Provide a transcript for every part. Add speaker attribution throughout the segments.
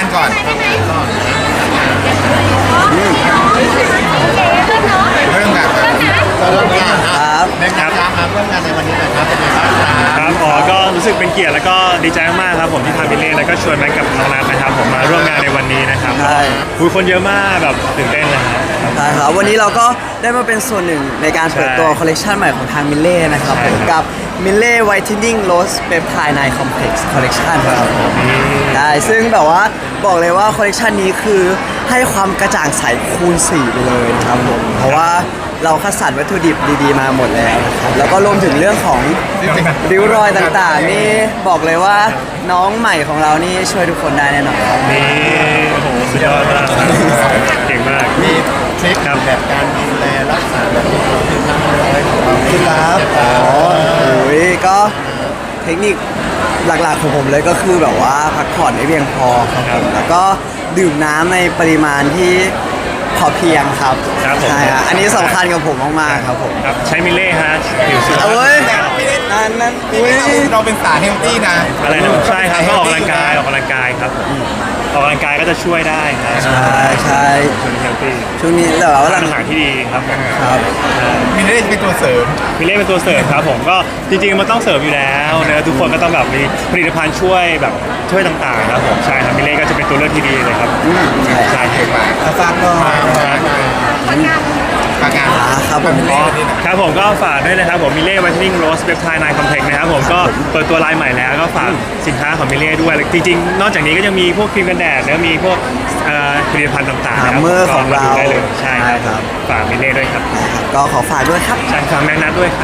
Speaker 1: านก่อนเรื่องงาน
Speaker 2: ครับ
Speaker 1: ในการมาเรื่องงานในวันนี้นะครับเป็นยังไงบ้างครับ
Speaker 3: ครับก็รู้สึกเป็นเกียรติแล้วก็ดีใจมากๆครับผมที่ทางบิลเล่แล้วก็ชวนแม็กกับน้องนัทนะครับผมมาร่วมงานในวันนี้นะครับ
Speaker 2: ใช่
Speaker 3: คุยคนเยอะมากแบบตื่นเต้นเลยครับ
Speaker 2: ใช่ครับวันนี้เราก็ได้มาเป็นส่วนหนึ่งในการเปิดตัวคอลเลกชันใหม่ของทางมิลเล่นะครับ
Speaker 3: ใช่
Speaker 2: ผม
Speaker 3: ครับ
Speaker 2: กับมิลเล่ไวท์เทนนิ่งโรสเปปไทด์ไนคอมเพล็กซ์คอลเลกชันครับผมได้ซึ่งแบบว่าบอกเลยว่าคอลเลกชันนี้คือให้ความกระจ่างใสคูณ4ไปเลยนะครับผมเพราะว่าเราคัดสรรวัตถุดิบดีๆมาหมดแล้วนะครับแล้วก็รวมถึงเรื่องของริ้วรอยต่างๆนี่บอกเลยว่าน้องใหม่ของเรานี่ช่วยทุกคนได้แน่นอนครับ
Speaker 3: นี่โอ้โหสุดยอดมากเก่งมาก
Speaker 1: มีทริค
Speaker 3: ครับ
Speaker 1: แบบการดูแลรักษาแบบที่เราทำอะไรของเรา
Speaker 2: ครับโอ้ยก็เทคนิคหลักๆของผมเลยก็คือแบบว่าพักผ่อนให้เพียงพอครับผมแล้วก็ดื่มน้ำในปริมาณที่พอเพียงครับ
Speaker 3: ครับผม
Speaker 2: ใช่ฮะอันนี้สำคัญกับผมมากๆครับผม
Speaker 3: ครับใช้มิลเล่ฮะผิวสุขภาพ
Speaker 2: เอ้ยนั่นอุ้ย
Speaker 1: เราเป็นสายเฮลตี้นะ
Speaker 3: อะไรนะใช่ครับก็ออกกำลังกายครับผมออกกำลังกายก็จะช่วยได้ครับ
Speaker 2: ใช่ใช่
Speaker 3: ช่วยเฮลตี้
Speaker 2: ช่วงนี้แต่ว่า
Speaker 3: ทานอาหารที่ดีครับผม
Speaker 2: ครับ
Speaker 1: มีได้เป็นตัวเสริม
Speaker 3: มิลเล่เป็นตัวเสริมครับผมก็จริงๆมันต้องเสริมอยู่แล้วนะทุกคนก็ต้องแบบมีผลิตภัณฑ์ช่วยแบบช่วยต่างๆครับผมใช่ครับมิลเล่ก็จะเป็นตัวเลือกที่ดีเลยครับ
Speaker 2: ใช่
Speaker 3: ใช่
Speaker 1: เก่งมาก
Speaker 2: ฝากหน่อย
Speaker 1: ปากงาน
Speaker 2: ครับผม
Speaker 1: เป็นเล่นนี่นะครับ
Speaker 3: ผมก็ฝากด้วยนะครับผมมิลเล่ไวท์เทนนิ่งโรสเปปไทด์ไนคอมเพล็กซ์นะครับผมก็เปิดตัวไลน์ใหม่แล้วก็ฝากสินค้าของมิลเล่ด้วยจริงๆนอกจากนี้ก็ยังมีพวกครีมกันแดดแล้วมีพวกผลิตภัณฑ์ต่างๆนะครั
Speaker 2: เมอร์ของเรา
Speaker 3: ก็ดูได้เลยใช่
Speaker 2: ใช่ครับ
Speaker 3: ฝากมิลเล่ด้วยครับ
Speaker 2: ก็ขอฝากด้วยครับ
Speaker 3: ใช่ฝากแม็กนัทด้วยครับ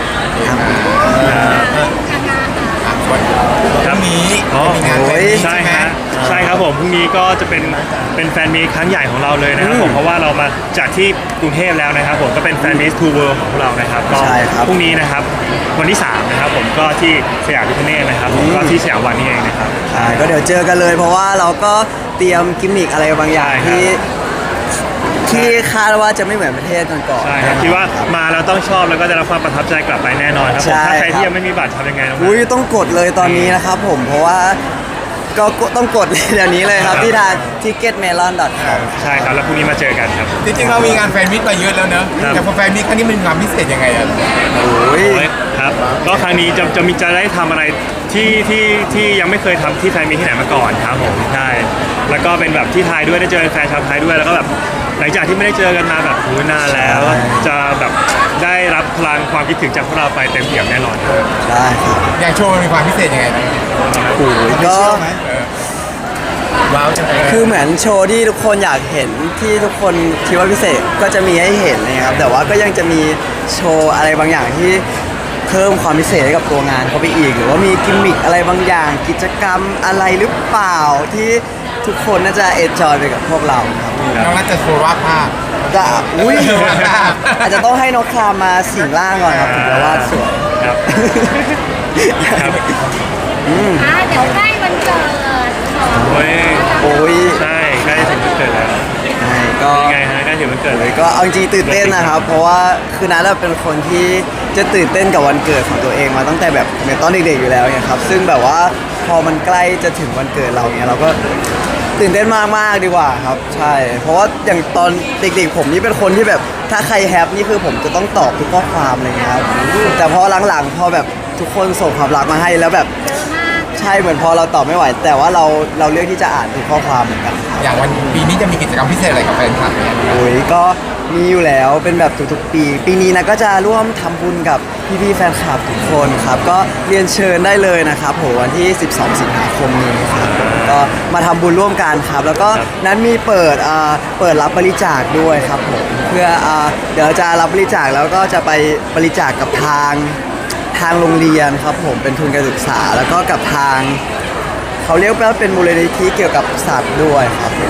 Speaker 1: วันพรุ่งนี้
Speaker 3: อ๋อ
Speaker 1: มีงานแฟนมีต
Speaker 3: ใช่
Speaker 1: ใช่ไหม
Speaker 3: ฮะใช่ครับผมพรุ่งนี้ก็จะเป็นแฟนมีตครั้งใหญ่ของเราเลยนะครับผมเพราะว่าเรามาจากที่กรุงเทพแล้วนะครับผมก็เป็นแฟนมีตทูเวิร์ของเรานะครับก็
Speaker 2: ใช่ครับ
Speaker 3: พรุ่งนี้นะครับวันที่3นะครับผมก็ที่สยามพิคเนตนะครับผมก็ที่สยามวันนี่เองนะครับ
Speaker 2: ใช่ก็เดี๋ยวเจอกันเลย เพราะว่าเราก็เตรียมกิมมิคอะไรบางอย่าง
Speaker 3: ใช่ครับ
Speaker 2: ที่คาดว่าจะไม่เหมือนประเทศก่อนๆ
Speaker 3: ใช่ครับคิดว่ามาแล้วต้องชอบแล้วก็ได้รับความประทับใจกลับไปแน่นอนครับผม
Speaker 2: ใช่
Speaker 3: ถ้าใคร
Speaker 2: ครับ
Speaker 3: ที่ยังไม่มีบัตรทำยังไงน้อง
Speaker 2: อุ้ยต้องกดเลยตอนนี้นะครับผมเพราะว่าก็ต้องกดเดี๋ยวนี้เลยครับที่ทาง ticketmelon.com
Speaker 3: ใช่ครับแล้วพรุ่งนี้มาเจอกันครับ
Speaker 1: จริงๆเรามีงานแฟนมิตมาเยอะแล้วเนอะ
Speaker 3: ครับ
Speaker 1: แต่พอแฟนมิตครั้งนี้มันมีความพิเศษยังไงอะ
Speaker 2: โอ้ย
Speaker 3: โอ้ยครับก็ครั้งนี้จะได้ทำอะไรที่ยังไม่เคยทำที่ไทยมีที่ไหนมาก่อนครับผมใช่แล้วก็เป็นแบบที่ไทยด้วยได้เจอแฟนชาวไทยด้วยแล้วก็แบบหลังจากที่ไม่ได้เจอกันมาแบบโอ้ยนานแล้วจะแบบได้รับพลังความคิดถึงจากพวกเราไปเต็มเปี่ยมแน่นอนครับ
Speaker 2: ได้ครับ
Speaker 1: อย่างโชว์มันมีความพิเศษยังไงบ้าง
Speaker 2: โอ้ยก็
Speaker 1: ว้าวจังเลย
Speaker 2: คือเหมือนโชว์ที่ทุกคนอยากเห็นที่ทุกคนคิดว่าพิเศษก็จะมีให้เห็นนะครับแต่ว่าก็ยังจะมีโชว์อะไรบางอย่างที่เพิ่มความพิเศษให้กับตัวงานเข้าไปอีก หรือว่ามีกิมมิคอะไรบางอย่าง กิจกรรมอะไรหรือเปล่าที่ทุกคนน่าจะเอนจอยไปกับพวกเราครับ
Speaker 1: น้องนัทจะโชว์วาดภาพ
Speaker 2: จะอุ้ยอาจจะต้องให้น้องคลามมาสิงร่างก่อนครับถึงจะวาดสวย
Speaker 3: ครับครับ
Speaker 4: เดี๋ยวใกล้วันเกิดของ
Speaker 3: โอ้ย
Speaker 2: โอ้ย
Speaker 3: ใช่ใกล้ถึงวันเกิดแล้ว
Speaker 2: ใช่ก็
Speaker 3: ยังไงฮะใกล้ถึงวันเกิดเลย
Speaker 2: ก็เอาจริงๆตื่นเต้นนะครับ เพราะว่าคือนัทเป็นคนที่จะตื่นเต้นกับวันเกิดของตัวเองมาตั้งแต่แบบเหมือนตอนเด็กๆอยู่แล้วเนี่ยครับซึ่งแบบว่าพอมันใกล้จะถึงวันเกิดเราเนี่ยเราก็ตื่นเต้นมากๆดีกว่าครับใช่ เพราะว่าอย่างตอนเด็กๆผมนี่เป็นคนที่แบบถ้าใครแฮปนี่คือผมจะต้องตอบทุกข้อความอะไรเงี้ยครับแต่พอหลังๆพอแบบทุกคนส่งความรักมาให้แล้วแบบใช่เหมือนพอเราตอบไม่ไหว แต่ว่าเราเลือกที่จะอ่านทุกข้อความเหมือนกันครับ
Speaker 1: อย่างวันปีนี้จะมีกิจกรรมพิเศษอะไรกับแฟนคลับเนี่ย
Speaker 2: โอ้ยก็มีอยู่แล้วเป็นแบบทุกๆปี ปีนี้นะก็จะร่วมทำบุญกับพี่ๆแฟนคลับทุกคนครับก็เรียนเชิญได้เลยนะครับผมวันที่ 12 สิงหาคมนี้ครับก็มาทำบุญร่วมกันครับ แล้วก็นั้นมีเปิดรับบริจาคด้วยครับผมเพื่อเดี๋ยวจะรับบริจาคแล้วก็จะไปบริจาคกับทางโรงเรียนครับผมเป็นทุนการศึกษา แล้วก็กับทางเขาเรียกว่าเป็นมูลนิธิเกี่ยวกับสัตว์ด้วยครับผม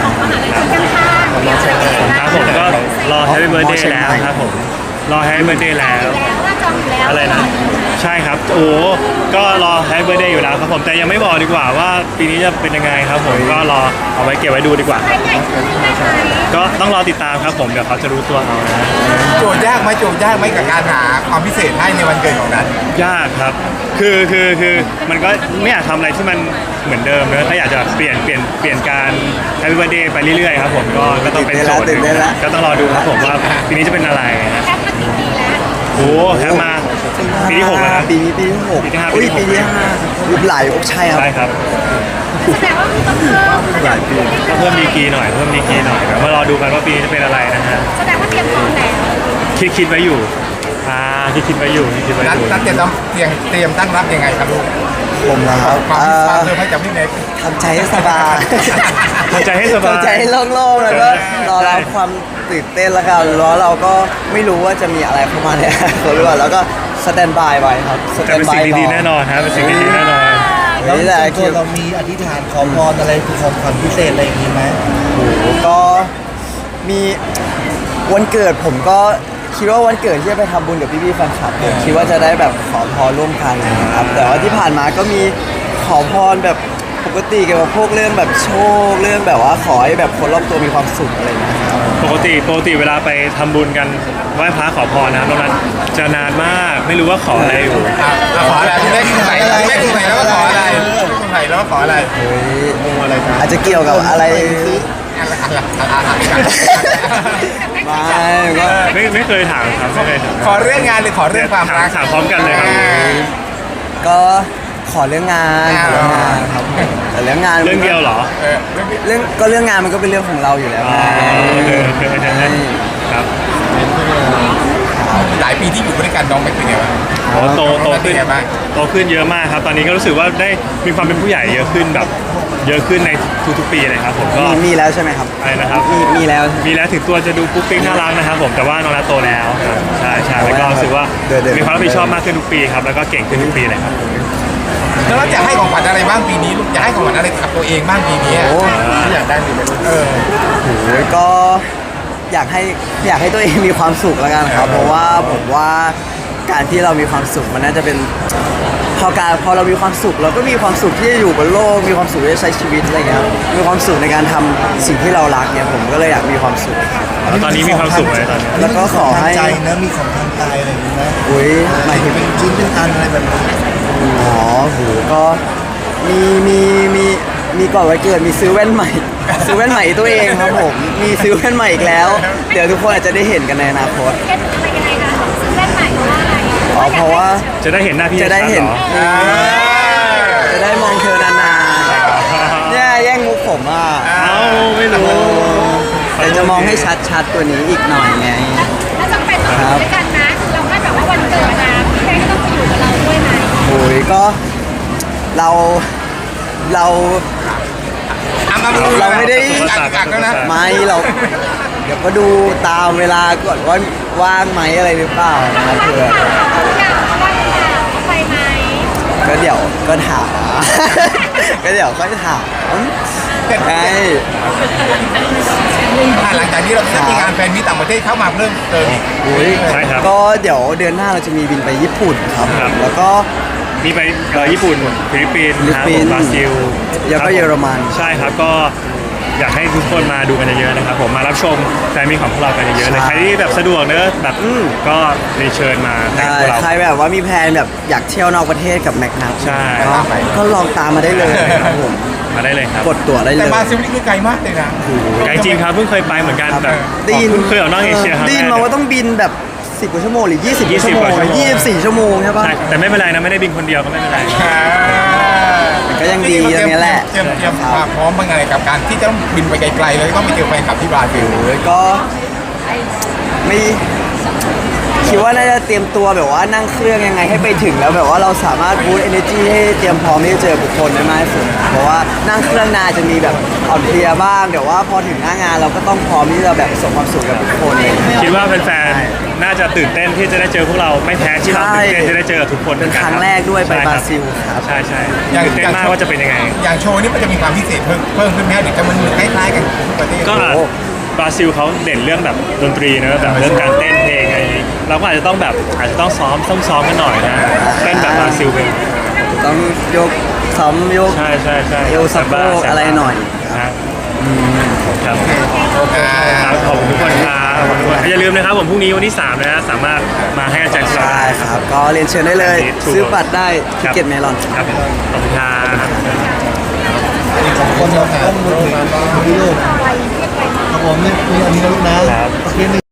Speaker 3: ครับผมก็รอ Happy Birthday แล้วครับผมรอ Happy Birthday แล้ว
Speaker 4: แล้วว่าจองอยู่แล้ว
Speaker 3: อะไรนะ
Speaker 2: ใ
Speaker 3: ใช่ครับโอ้ก็รอแฮปปี้เบิร์ดเดย์อยู่แล้วครับผมแต่ยังไม่บอกดีกว่าว่าปีนี้จะเป็นยังไงครับผมก็รอเอาไว้เก็บไว้ดูดีกว่า
Speaker 4: ไปใหญ่ขึ้นไหมคะ
Speaker 3: ก็ต้องรอติดตามครับผมเดี๋ยวเขาจะรู้ตัวเอานะ
Speaker 1: โจทย์ยากไหมกับการหาความพิเศษให้ในวันเกิดของนัท
Speaker 3: ยากครับคือมันก็ไม่อยากทำอะไรที่มันเหมือนเดิมนะถ้าอยากจะเปลี่ยนการแฮปปี้เบิร์ดเดย์ไปเรื่อยๆครับผมก็ต้องเป็นโจทย์หนึ่งก็ต้องรอดูครับผมว่าปีนี้จะเป็นอะไรนะ
Speaker 4: แคปมากี่ปีแล้ว
Speaker 3: โอ้แฮปมาปีที่6แล้วครับ
Speaker 2: ปีนี้ปีที่6
Speaker 3: ปีที่ห้า
Speaker 2: อุ้ย
Speaker 3: ปี
Speaker 2: ปี
Speaker 3: ที่
Speaker 2: ที่
Speaker 3: หก
Speaker 2: 5ยุบหลายใช่ครับ
Speaker 3: ใช่ครับ
Speaker 4: แสดงว่าต้องเพิ่ม
Speaker 2: หลายปี
Speaker 3: ก็เพิ่มดีกรีหน่อยเดี๋ยวมารอดูกันว่าปีนี้จะเป็นอะไรนะฮะ
Speaker 4: แสดงว่าเตรียมพร้อมแล้ว
Speaker 3: คิดไว้อยู่คิดไว้อยู่
Speaker 1: นัทเตรียมตั้งรับยังไงครับลูก
Speaker 2: ผมนะครับ
Speaker 1: ความเพิ่มให้กับพี่เน็ก
Speaker 2: ทำใจให้สบาย
Speaker 3: ทำใจให้สบาย
Speaker 2: ทำใจให้โล่งๆแล้วก็รอรับความตื่นเต้นแล้วกันแล้วเราก็ไม่รู้ว่าจะมีอะไรเข้ามาเนี่ยเขาเรียกว่าแล้วก็สแตนบายไว้ครับสแต
Speaker 3: แต่
Speaker 2: น
Speaker 3: เป็น
Speaker 2: บา
Speaker 3: สิ่
Speaker 2: ย
Speaker 3: งดีๆแน่นอนฮะเป็นสิ่งดีๆแน่นอน
Speaker 5: แล้ว
Speaker 2: นี่แหละ
Speaker 5: ส่วนตัวเรามีอธิษฐานขอพรอะไรของขวัญพิเศษอะไรอย่างนี้ไหม
Speaker 2: ก็มีวันเกิดผมก็คิดว่าวันเกิดที่จะไปทำบุญกับพี่ๆแฟนคลับผมคิดว่าจะได้แบบขอพรร่วมกันนะครับแต่ว่าที่ผ่านมาก็มีขอพรแบบปกติเกี่ยวกับพวกเรื่องแบบโชคเรื่องแบบว่าขอให้แบบคนรอบตัวมีความสุขอะไรอย่างเงี้ยครับ
Speaker 3: ปกติเวลาไปทำบุญกันไหว้พระขอพรนะครับตรงนั้นจะนานมากไม่รู้ว่าขออะไรอยู่
Speaker 1: เราขออะไรพี่เน็กใส่แล้วก็ขออะไรใส่แล้วก็ขออะไร
Speaker 2: อะไรอาจจะเกี่ยวกับอะไรไม่ก็
Speaker 3: ไม่เคยถามครับไม่เคยถาม
Speaker 1: ขอเรื่องงานหรือขอเรื่องความรัก
Speaker 3: ถามพร้อมกันเลยครับ
Speaker 2: ก็ขอเรื่องงานขอเรื่องงานครับแต่เรื่องงาน
Speaker 3: เรื่องเดียวเหรอ
Speaker 2: เรื่องงานมันก็เป็นเรื่องของเราอยู่แล้ว
Speaker 3: อ๋อครับ
Speaker 1: หลายปีที่อยู่ด้วยกันน้องไม่เป็นไงบ้าง
Speaker 3: โอ้โตขึ้น
Speaker 1: เป็นไงบ้าง
Speaker 3: โตขึ้นเยอะมากครับ ตอนนี้ก็รู้สึกว่าได้มีความเป็นผู้ใหญ่เยอะขึ้นแบบเยอะขึ้นในทุกๆปีเลยครับผมก็
Speaker 2: มีแล้วใช่ไหมครับ
Speaker 3: อะไรนะครับ
Speaker 2: มีแล้ว
Speaker 3: มีแล้วถึงตัวจะดูปุ๊กปิ๊กน่ารักนะครับผมแต่ว่าน้องนัทโตแล้วครับใช่แล้วก็รู้สึกว่ามีความรับผิดชอบมากขึ้นทุกปีครับแล้วก็เก่งขึ้นทุกปีเลยครับ
Speaker 1: แล้วเราจะให้ของขวัญอะไรบ้างปีนี้ลูกจะให้ของขวัญอะไรกับตัวเองบ้างปีนี้ที่อยากได้หรือไม่รู้
Speaker 2: โอ้ยก็อยากให้ตัวเองมีความสุขแล้วกันครับ เพราะว่าผมว่าการที่เรามีความสุขมันน่าจะเป็นพอเรามีความสุขเราก็มีความสุขที่จะอยู่บนโลกมีความสุขที่จะใช้ชีวิตอะไรเงี้ยครับมีความสุขในการทำสิ่งที่เรารักเนี่ยผมก็เลยอยากมีความสุข
Speaker 3: แล้วตอนนี้มีความสุขไหมตอนนี้
Speaker 2: แล้วก็ขอให้
Speaker 5: มีของทางใจนะมีของทางกายอะไรอย่างนี้ไหม
Speaker 2: อุ้ยหมายถึง
Speaker 5: เป็นชิ้นเป็นอันอะไรแบบนี้
Speaker 2: อ๋อโหก็มีก่อนวันเกิดมีซื้อแว่นใหม่ ซื้อแว่นใหม่ตัวเองครับผมมีซื้อแว่นใหม่อีกแล้ว เดี๋ยวทุกคนอาจจะได้เห็นกันในอนาคต
Speaker 4: เคล็ดอะไรยังไงคะซื้อแว่นใหม่เพราะว่าอะไร
Speaker 2: อ๋อเพราะว่า
Speaker 3: จะได้เห็นหน้าพี่
Speaker 2: จะได้เห็น
Speaker 3: ชัดๆรอ
Speaker 2: จะได้มองเธอนานๆเนี่ยแย่งมุกผมอ่ะ
Speaker 3: เอ้าไม่รู้
Speaker 2: แต่จะมองให้ชัดๆตัวนี้อีกหน่อยไง
Speaker 4: แล้วจำเป็นต้องอยู่ด้วยกันนะเราคาดแบบว่าวันเกิดนะพี่เต้ก็ต้องไปอยู่กับเราด้วยไหม
Speaker 2: โอ้ยก็เรา เราไม่ได้
Speaker 1: กักแล้วนะ
Speaker 2: ไม่เราเดี๋ยวก็ดูตามเวลาก่อนว่าว่างไหมอะไรหรือเปล่านะครับเพื่อ
Speaker 4: เขาอยากว่าเขาไปไหม
Speaker 2: ก็เดี๋ยวก็ถาม ก็เดี๋ยวค่อยถามไง
Speaker 1: หลังจากนี้เราจะมีงานแฟนมีต่างประเทศเข้ามาเพิ่มเติมอีก
Speaker 2: อุ้ย
Speaker 3: ใช่ครับ
Speaker 2: ก็เดี๋ยวเดือนหน้าเราจะมีบินไปญี่ปุ่นครับ
Speaker 3: ครับ
Speaker 2: แล้วก็
Speaker 3: มีไปญี่ปุ่นฟิลิปปินส์ครับ
Speaker 2: ฟิลิปปินส์
Speaker 3: บราซิล
Speaker 2: แล้วก็เยอรมัน
Speaker 3: ใช่ครับก็อยากให้ทุกคนมาดูกันเยอะๆนะครับผมมารับชมแฟนมีของพวกเรากันเยอะๆเลยใครที่แบบสะดวกเนอะแบบก็เรียนเชิญมาให้
Speaker 2: ได้
Speaker 3: พวกเรา
Speaker 2: ใครแบบว่ามีแพลนแบบอยากเที่ยวนอกประเทศกับแม็กนัท
Speaker 3: ใช่
Speaker 2: ก็ลองตามมาได้เลยครับผม
Speaker 3: มาได้เลยครับ
Speaker 2: กดตั๋วได้เล
Speaker 1: แต่
Speaker 2: ย
Speaker 1: บราซิลนี่คือไกลมากเลยนะ
Speaker 3: ไกลจริงครับเพิ่งเคยไปเหมือนกันแบบ
Speaker 2: ได้ยิน
Speaker 3: เพิ่งเคยออกนอกเอเชียครั้ง
Speaker 2: ได้ยิน
Speaker 3: แร
Speaker 2: มาก ว่าต้องบินแบบ10กว่าชั่วโมงหรือ20กว่าชั่วโมง
Speaker 3: 20กว่าชั่วโมง
Speaker 2: 24ชั่วโมงใช่ปะ
Speaker 3: ใช่แต่ไม่เป็นไรนะไม่ได้บินคนเดียวก็ไม่เป็นไร
Speaker 2: ก็ยังดีอย่างนี้แหละ
Speaker 1: เตรียมความพร้อมเป็นไงกับการที่จะต้องบินไปไกลๆเลยต้องไปเจอแฟนคลับที่บราซิล
Speaker 2: แล้วก็ไม่คิดว่าน่าจะเตรียมตัวแบบว่านั่งเครื่องยังไงให้ไปถึงแล้วแบบว่าเราสามารถบูสต์ energy ให้เตรียมพร้อมที่จะเจอบุคคลได้มากที่สุดเพราะว่านั่งเครื่องนานจะมีแบบอ่อนเพลียบ้างแต่ว่าพอถึงหน้างานเราก็ต้องพร้อมที่จะแบบส่งความสุขกับบุคคลเลย
Speaker 3: คิดว่าแฟนๆน่าจะตื่นเต้นที่จะได้เจอพวกเราไม่แพ้ที่เราตื่นเต้นที่ได้เจอกับทุกคน
Speaker 2: เป็นครั้งแรกด้วยไปบราซิลครับ
Speaker 3: ใช่ใช่ตื่นเต้นมากว่าจะเป็นยังไง
Speaker 1: อย่างโชว์นี้มันจะมีความพิเศษเพิ่มขึ้นไหมหรือจะมันคล้ายๆกันทุกประเทศ
Speaker 3: ก็บราซิลเขาเด่นเรื่องแบบดนตรีเนอะแบบเรื่องการเต้นเพลงอะไรอย่างงี้เราก็อาจจะต้องซ้อมกันหน่อยนะเต้นแบบบราซิลเป็น
Speaker 2: ต้องยกซ้อมยก
Speaker 3: ใช่
Speaker 2: เอวสะโพกอะไรหน่อย
Speaker 3: ครับครับขอบคุณทุกคนครับขอบคุณทุกคนอย่าลืมนะครับผมพรุ่งนี้วันที่3นะสามารถมาให้อาจารย์
Speaker 2: ใช่ครับ ก็เรียนเชิญได้เลย ซื้อบัตรได้ที่เก็ตเมลอน
Speaker 3: ครับขอบคุณครับ
Speaker 5: คนเราต้องมือถือพี่ลูกครับผมนี่อันนี้นะลูกนะโอเค